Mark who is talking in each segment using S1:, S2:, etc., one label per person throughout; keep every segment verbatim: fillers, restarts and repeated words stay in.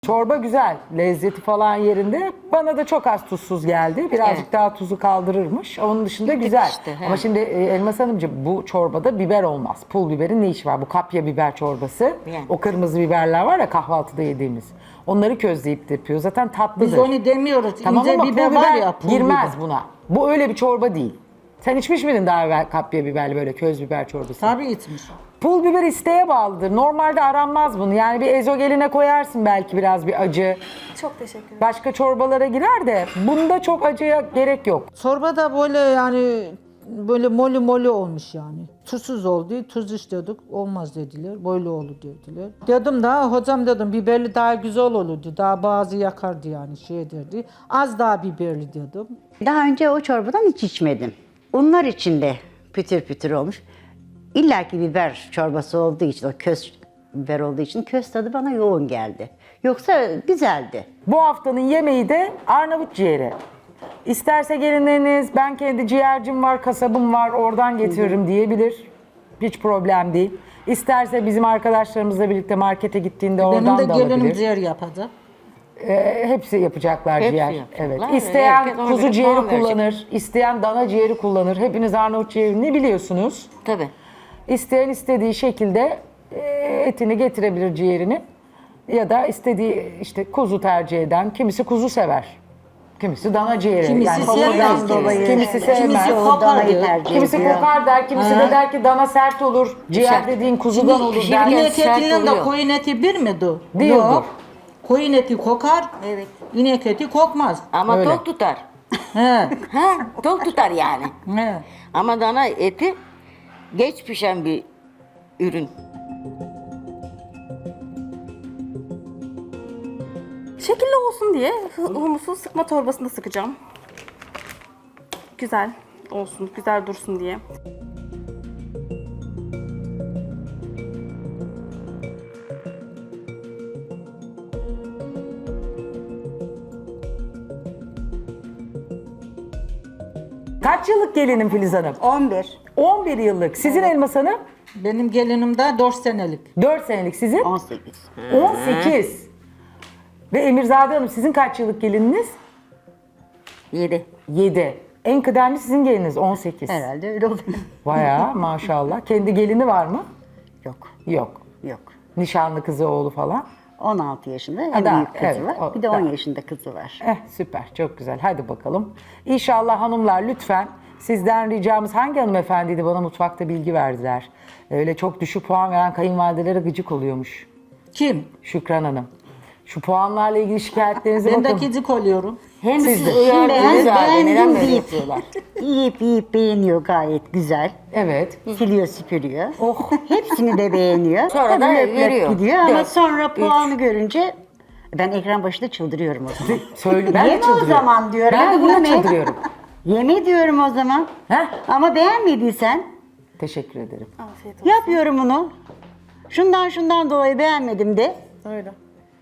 S1: Çorba güzel, lezzeti falan yerinde. Bana da çok az tuzsuz geldi. Birazcık
S2: Evet.
S1: daha tuzu kaldırırmış. Onun dışında
S2: Bir tık
S1: güzel.
S2: işte, he.
S1: Ama şimdi e, Elmas Hanımcığım bu çorbada biber olmaz. Pul biberin ne işi var? Bu kapya biber çorbası.
S2: Yani.
S1: O kırmızı biberler var ya kahvaltıda yediğimiz. Onları közleyip de yapıyor. Zaten tatlıdır.
S3: Biz onu demiyoruz.
S1: Tamam
S3: İnce
S1: ama
S3: biber
S1: pul
S3: var
S1: biber
S3: ya. Pul
S1: girmez
S3: biber.
S1: buna. Bu öyle bir çorba değil. Sen içmiş miydin daha evvel kapya biberli böyle köz biber çorbası?
S3: Tabii içmiş.
S1: Pul biber isteğe bağlıdır. Normalde aranmaz bunu. Yani bir ezogeline koyarsın belki biraz bir acı.
S4: Çok teşekkür ederim.
S1: Başka çorbalara girer de bunda çok acıya gerek yok.
S3: Çorba da böyle yani böyle moli moli olmuş yani. Tuzsuz oldu, tuz istiyorduk, olmaz dediler, böyle olur dediler. Dedim daha hocam dedim biberli daha güzel olurdu, daha bazı yakardı yani şey derdi. Az daha biberli dedim.
S2: Daha önce o çorbadan hiç içmedim. Unlar içinde pütür pütür olmuş. İlla ki biber çorbası olduğu için, o köz biber olduğu için köz tadı bana yoğun geldi. Yoksa güzeldi.
S1: Bu haftanın yemeği de Arnavut ciğeri. İsterse gelinleriniz ben kendi ciğercim var, kasabım var oradan getiririm diyebilir. Hiç problem değil. İsterse bizim arkadaşlarımızla birlikte markete gittiğinde oradan
S3: Benim de
S1: da
S3: gelinim
S1: alabilir.
S3: ciğer yapacak.
S1: Ee, hepsi yapacaklar
S2: Hepsi
S1: ciğer.
S2: yapacaklar.
S1: Evet. İsteyen
S2: Herkes ona
S1: kuzu
S2: göre
S1: ciğeri
S2: puan verecek.
S1: kullanır, isteyen dana ciğeri kullanır. Hepiniz Arnavut ciğerini biliyorsunuz.
S2: Tabii.
S1: İsteyen istediği şekilde e, etini getirebilir ciğerini. Ya da istediği işte kuzu tercih eden, kimisi kuzu sever. Kimisi dana ciğeri.
S3: Kimisi
S1: yani
S3: sevmez.
S1: hamurdan dolayı. Kimisi sevmez.
S3: Kimisi
S2: O
S3: kokar
S2: danayı
S3: diyor.
S2: tercih
S1: Kimisi
S2: ediyor.
S1: kokar der, kimisi de der ki dana sert olur. Ciğer
S2: Sert.
S1: dediğin kuzudan olur der.
S2: pişirirken
S3: İnek
S2: sert
S3: etinin de
S2: oluyor.
S3: koyun eti bir midir?
S1: Değildir.
S3: Yok. Koyun eti kokar,
S2: Evet.
S3: inek eti kokmaz.
S2: Ama
S1: Öyle.
S2: tok tutar.
S3: He.
S2: Ha, tok tutar yani.
S3: He.
S2: Ama dana eti geç pişen bir ürün.
S4: Şekilli olsun diye hu- humusu sıkma torbasında sıkacağım. Güzel olsun, güzel dursun diye.
S1: Kaç yıllık gelinim Filiz Hanım?
S2: on bir.
S1: on bir yıllık. Sizin Elmas Hanım?
S3: Benim gelinim de dört senelik.
S1: dört senelik sizin?
S2: on sekiz.
S1: on sekiz. Ve Emirzade Hanım sizin kaç yıllık gelininiz?
S2: yedi.
S1: yedi. En kıdemli sizin geliniz on sekiz.
S2: Herhalde öyle oluyor.
S1: Bayağı maşallah. Kendi gelini var mı?
S2: Yok.
S1: Yok.
S2: Yok.
S1: Nişanlı kızı oğlu falan.
S2: on altı yaşında en
S1: Ha, daha,
S2: büyük kızı
S1: evet,
S2: var.
S1: o-
S2: Bir de on
S1: daha.
S2: yaşında kızı var.
S1: Eh süper çok güzel. Hadi bakalım. İnşallah hanımlar lütfen sizden ricamız hangi hanımefendiydi bana mutfakta bilgi verdiler. Öyle çok düşük puan veren kayınvalidelere gıcık oluyormuş.
S3: Kim?
S1: Şükran Hanım. Şu puanlarla ilgili şikayetlerinize
S3: Ben de
S1: bakın.
S3: gıcık oluyorum.
S2: Hem
S1: Siz
S2: siz
S1: de.
S2: uyardınız Beğen- abi neden
S3: beğendim
S2: böyle
S3: deyip-
S2: yapıyorlar? Yiyip yiyip beğeniyor gayet güzel.
S1: Evet.
S2: Siliyor süpürüyor.
S1: Oh.
S2: Hepsini de beğeniyor.
S1: Sonra
S2: Tabii
S1: da
S2: löp löp
S1: veriyor.
S2: gidiyor ama
S1: Dört,
S2: sonra puanı görünce ben ekran başında çıldırıyorum o zaman.
S1: Söyle, ben de
S2: Yeme o
S1: çıldırıyorum.
S2: zaman diyorum.
S1: Ben de buna
S2: Yeme.
S1: çıldırıyorum.
S2: Yeme diyorum o zaman.
S1: Heh.
S2: Ama beğenmediysen
S1: Teşekkür ederim.
S4: Afiyet olsun.
S2: yapıyorum onu. Şundan şundan dolayı beğenmedim de.
S4: Öyle.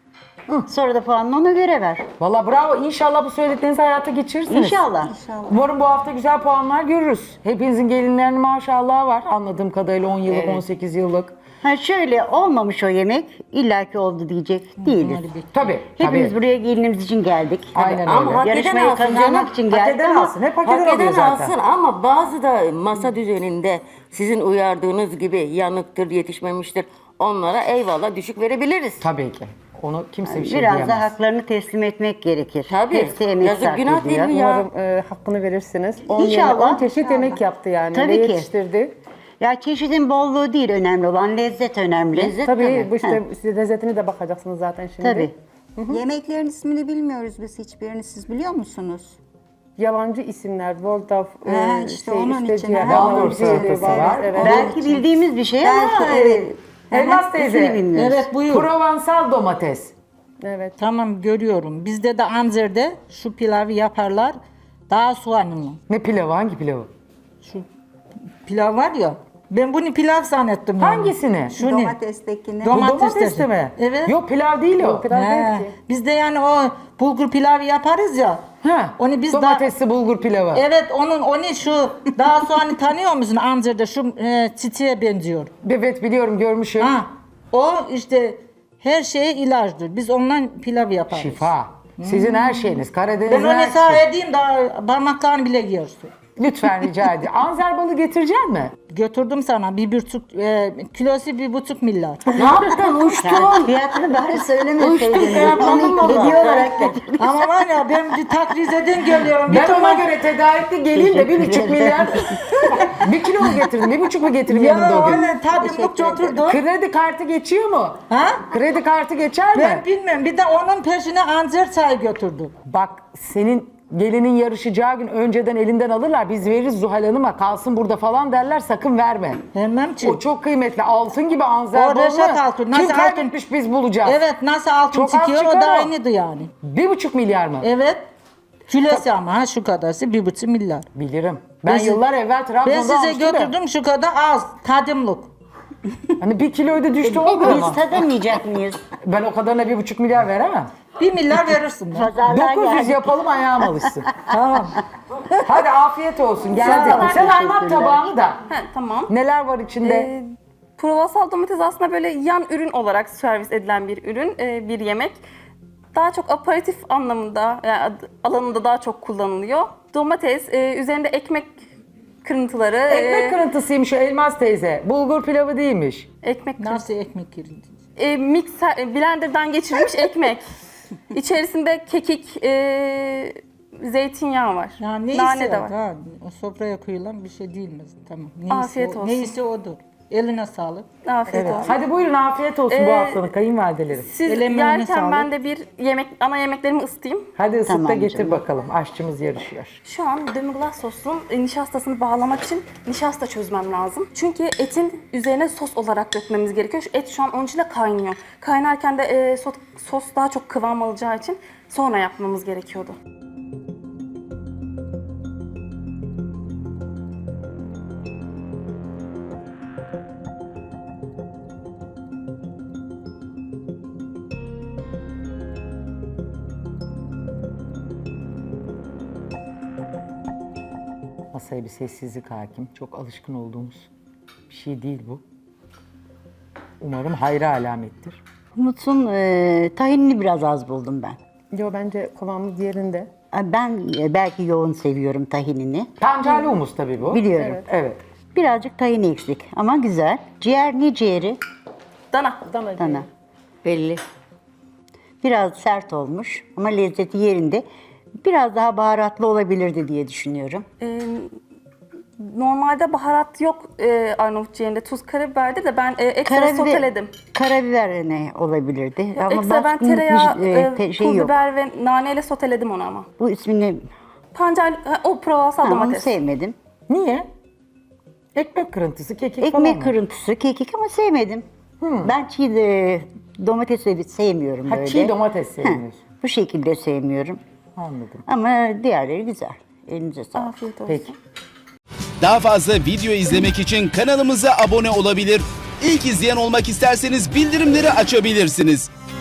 S2: Sonra da puanını ona göre ver.
S1: Valla bravo. İnşallah bu söylediklerinizi hayata geçirirsiniz.
S2: İnşallah.
S1: Umarım bu hafta güzel puanlar görürüz. Hepinizin gelinlerinin maşallah var. Anladığım kadarıyla on yıllık, on sekiz yıllık.
S2: Ha şöyle olmamış o yemek. illaki oldu diyecek değiliz.
S1: Tabii.
S2: Hepimiz
S1: tabii.
S2: buraya gelinimiz için geldik.
S1: Aynen
S2: Ama
S1: öyle.
S2: hak Yarışmayı
S5: alsın
S2: kazanmak
S5: canım.
S2: için
S1: Hak
S2: geldik
S1: eden
S2: ama
S1: alsın. Hep hak,
S5: Hak
S1: eden alıyor
S5: eden
S1: zaten.
S5: alsın ama bazı da masa düzeninde sizin uyardığınız gibi yanıktır, yetişmemiştir. Onlara eyvallah düşük verebiliriz.
S1: Tabii ki. Onu kimse bir şey
S2: biraz
S1: diyemez.
S2: da haklarını teslim etmek gerekir.
S5: Tabii.
S2: Hepsi emek
S5: Yazık,
S2: sarf
S5: günah değil
S2: ediyor.
S5: mi ya?
S6: Umarım e, hakkını verirsiniz. on
S2: İnşallah.
S6: yeme- on çeşit yemek yaptı yani.
S2: Tabii
S6: Ve
S2: ki.
S6: yetiştirdi.
S2: Ya çeşidin bolluğu değil önemli olan lezzet önemli.
S5: Lezzet
S6: Tabii
S5: tabii.
S6: bu işte siz lezzetini de bakacaksınız zaten şimdi.
S2: Tabii.
S7: Yemeklerin ismini bilmiyoruz biz hiçbirini. Siz biliyor musunuz?
S6: Yabancı isimler, Waldorf,
S7: Ha,
S6: e,
S7: işte
S6: şey,
S7: onun
S6: işte
S7: için.
S6: ciğer,
S7: Ha,
S6: Arnavut
S1: Waldorf
S6: ciğeri,
S1: salatası
S6: Waldorf,
S1: var.
S6: evet.
S2: Belki bildiğimiz bir şey ama
S7: Belki, evet.
S2: e,
S1: Elmas
S2: ismini
S1: teyze.
S2: bilmiyoruz.
S3: Evet buyur.
S1: Provençal domates.
S6: Evet.
S3: Tamam görüyorum. Bizde de Anzer'de şu pilavı yaparlar. Daha soğanlı.
S1: Ne pilavı? Hangi pilavı?
S3: Şu pilav var ya. Ben bunu pilav zannettim. yani.
S1: Hangisini?
S3: Şu ne?
S7: Domatestekini.
S1: Bu
S3: Domates
S1: domates de
S3: de.
S1: mi?
S3: Evet.
S1: Yok pilav değil o.
S6: Pilav
S3: He.
S6: değil ki.
S3: Biz de yani o bulgur pilavı yaparız ya.
S1: Ha,
S3: Onu biz
S1: domatesli bulgur pilavı.
S3: Evet onun onu şu daha soğanı tanıyor musun Anzer'de şu e, çiçeğe benziyor.
S1: Evet biliyorum görmüşüm.
S3: Ha o işte Her şeye ilaçtır. Biz ondan pilav yaparız.
S1: Şifa. Sizin her şeyiniz.
S3: Ben
S1: Karadeniz'in
S3: onu
S1: her
S3: hesap
S1: şeyi.
S3: edeyim daha parmaklarını bile yiyorsun.
S1: Lütfen rica ediyorum. Anzer balı getirecek mi?
S3: Götürdüm sana bir buçuk, e, kilosu bir buçuk milyar.
S5: Ne yaptın? Uçtun.
S2: Fiyatını bari
S5: Uçtun
S2: söylemeseydin.
S5: kıyamadım valla.
S2: Hediye olarak getirdim.
S3: Ama var ya ben bir Takrize'den geliyorum. Bir
S1: Ben ona
S3: tamam.
S1: göre tedarikli geleyim de bir buçuk milyar. Bir kilo mu getirdim? Bir buçuk mu getirdim yanımda
S3: Ya
S1: o gün?
S3: öyle tadımlıkça oturdu.
S1: Kredi kartı geçiyor mu?
S3: Ha?
S1: Kredi kartı geçer mi?
S3: Ben bilmem. Bir de onun peşine anzer çayı götürdü.
S1: Bak senin gelinin yarışacağı gün önceden elinden alırlar. Biz veririz Zuhal Hanım'a kalsın burada falan derler. Sakın verme.
S3: Vermem ki.
S1: O çok kıymetli. Altın gibi Anzer
S3: O Reşat
S1: balını
S3: altın.
S1: kim
S3: Nasıl
S1: kaybetmiş biz bulacağız.
S3: Evet nasıl altın
S1: Çok az
S3: çıkıyor o
S1: çıkar
S3: da
S1: o.
S3: aynıydı yani.
S1: Bir buçuk milyar mı?
S3: Evet. Kilosu ama ha şu kadarsı bir buçuk milyar.
S1: Bilirim. Ben,
S3: Ben siz-
S1: yıllar evvel Trabzon'da
S3: Ben size
S1: almıştım da.
S3: götürdüm şu kadar az tadımlık.
S1: Hani bir kiloydu düştü olmuyor
S2: Biz
S1: mu?
S2: tadamayacak mıyız?
S1: Ben o kadarına bir buçuk milyar veremem.
S3: Bir milyar verirsin. ben.
S2: Pazarlar
S1: dokuz yüz
S2: geldi.
S1: yapalım ayağım alışsın.
S3: Tamam.
S1: Hadi afiyet olsun. Geldi.
S4: olun.
S1: Sen anlat
S2: Teşekkürler.
S1: tabağını da.
S4: He, tamam.
S1: Neler var içinde?
S4: Ee, Provasal domates aslında böyle yan ürün olarak servis edilen bir ürün, e, bir yemek. Daha çok aperatif anlamında, yani ad- alanında daha çok kullanılıyor. Domates, e, üzerinde ekmek kırıntıları,
S1: Ekmek
S4: e,
S1: kırıntısıymış o Elmas teyze. Bulgur pilavı değilmiş.
S4: ekmek kırıntısı.
S3: Nasıl ekmek girildi?
S4: E, mikser, e, blenderdan geçirilmiş ekmek. İçerisinde kekik, e, zeytinyağı var.
S3: Ya neyse
S4: Nane de var.
S3: Ha, o sofraya koyulan bir şey değil mi? Tamam. Neyse,
S4: Afiyet
S3: o-
S4: olsun.
S3: Neyse odur. Eline sağlık.
S4: Afiyet
S1: Evet.
S4: olsun.
S1: Hadi buyurun afiyet olsun bu
S4: Ee,
S1: haftanın kayınvalideleri.
S4: Siz
S3: El emeğine
S4: yerken
S3: sağlık.
S4: ben de bir yemek, ana yemeklerimi ısıtayım.
S1: Hadi ısıt da
S2: Tamam
S1: getir
S2: canım.
S1: bakalım. Aşçımız yarışıyor.
S4: Şu an demi-glace sosun e, nişastasını bağlamak için nişasta çözmem lazım. Çünkü etin üzerine sos olarak dökmemiz gerekiyor. Şu et şu an onun içinde kaynıyor. Kaynarken de e, sos, sos daha çok kıvam alacağı için sonra yapmamız gerekiyordu.
S1: Masaya bir sessizlik hakim. Çok alışkın olduğumuz bir şey değil bu. Umarım hayra alamettir.
S2: Umut'un e, tahinini biraz az buldum ben.
S6: Yo bence kıvamı diğerinde.
S2: Ben e, belki yoğun seviyorum tahinini.
S1: Pancarlı humus tabii bu.
S2: Biliyorum.
S1: Evet.
S2: Birazcık tahin eksik ama güzel. Ciğer ne ciğeri?
S4: Dana.
S6: Dana
S2: Dana.
S5: Belli.
S2: Biraz sert olmuş ama lezzeti yerinde. Biraz daha baharatlı olabilirdi diye düşünüyorum.
S4: E, normalde baharat yok e, Arnavut ciğerinde. Tuz, karabiberdi de ben e, ekstra soteledim.
S2: karabiber ne olabilirdi? Ama
S4: Ekstra ben
S2: baskın
S4: tereyağı,
S2: bir, e,
S4: e,
S2: te- şey
S4: pul
S2: yok.
S4: biber ve naneyle soteledim onu ama.
S2: Bu ismini
S4: Pancar, ha, o provasal
S2: ha, onu
S4: domates.
S2: sevmedim.
S1: Niye? Ekmek kırıntısı, kekik falan
S2: Ekmek
S1: mı?
S2: kırıntısı, kekik ama sevmedim. Ben çiğ de, domatesleri sevmiyorum
S1: Ha,
S2: böyle.
S1: çiğ domates
S2: Ha,
S1: sevmiyorsun.
S2: bu şekilde sevmiyorum.
S1: Anladım.
S2: Ama diğerleri güzel. Elinize sağlık.
S4: Afiyet olsun.
S1: Peki.
S8: Daha fazla video izlemek için kanalımıza abone olabilir. İlk izleyen olmak isterseniz bildirimleri açabilirsiniz.